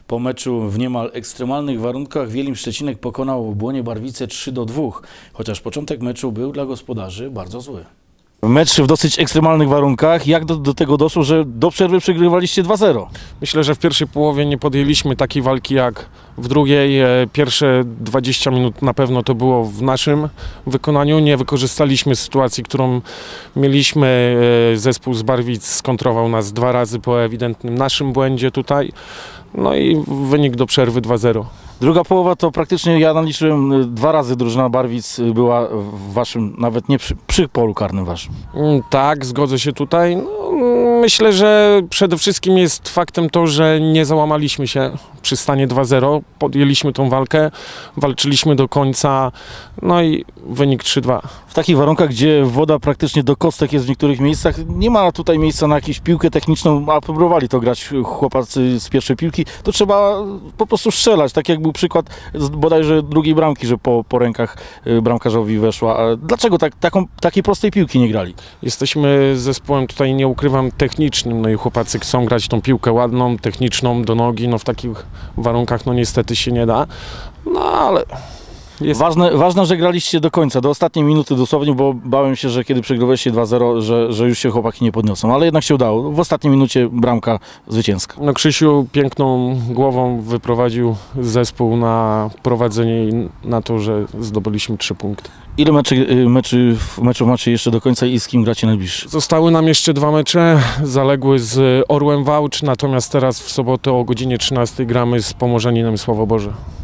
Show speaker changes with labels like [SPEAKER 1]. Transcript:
[SPEAKER 1] Po meczu w niemal ekstremalnych warunkach Wielim Szczecinek pokonał Błonie Barwice 3-2, chociaż początek meczu był dla gospodarzy bardzo zły. Mecz w dosyć ekstremalnych warunkach. Jak do tego doszło, że do przerwy przegrywaliście 2-0?
[SPEAKER 2] Myślę, że w pierwszej połowie nie podjęliśmy takiej walki jak w drugiej. Pierwsze 20 minut na pewno to było w naszym wykonaniu. Nie wykorzystaliśmy sytuacji, którą mieliśmy. Zespół z Barwic skontrował nas 2 razy po ewidentnym naszym błędzie tutaj. No i wynik do przerwy 2-0.
[SPEAKER 1] Druga połowa to praktycznie, ja naliczyłem 2 razy drużyna Barwic była w waszym, nawet nie przy polu karnym waszym.
[SPEAKER 2] Tak, zgodzę się tutaj. No, myślę, że przede wszystkim jest faktem to, że nie załamaliśmy się przy stanie 2-0. Podjęliśmy tą walkę, walczyliśmy do końca, no i wynik 3-2.
[SPEAKER 1] W takich warunkach, gdzie woda praktycznie do kostek jest w niektórych miejscach, nie ma tutaj miejsca na jakąś piłkę techniczną, a próbowali to grać chłopacy z pierwszej piłki, to trzeba po prostu strzelać, tak jak był przykład bodajże drugiej bramki, że po rękach bramkarzowi weszła. A dlaczego takiej prostej piłki nie grali?
[SPEAKER 2] Jesteśmy zespołem, tutaj nie ukrywam, technicznym, no i chłopacy chcą grać tą piłkę ładną, techniczną, do nogi, no w takich warunkach no niestety się nie da, no ale...
[SPEAKER 1] Ważne, że graliście do końca, do ostatniej minuty dosłownie, bo bałem się, że kiedy przegrywaliście 2-0, że już się chłopaki nie podniosą, ale jednak się udało. W ostatniej minucie bramka zwycięska.
[SPEAKER 2] No Krzysiu piękną głową wyprowadził zespół na prowadzenie i na to, że zdobyliśmy 3 punkty.
[SPEAKER 1] Ile meczów macie jeszcze do końca i z kim gracie najbliższy?
[SPEAKER 2] Zostały nam jeszcze 2 mecze, zaległy z Orłem Wałcz, natomiast teraz w sobotę o godzinie 13 gramy z Pomorzaninem Sławoborze.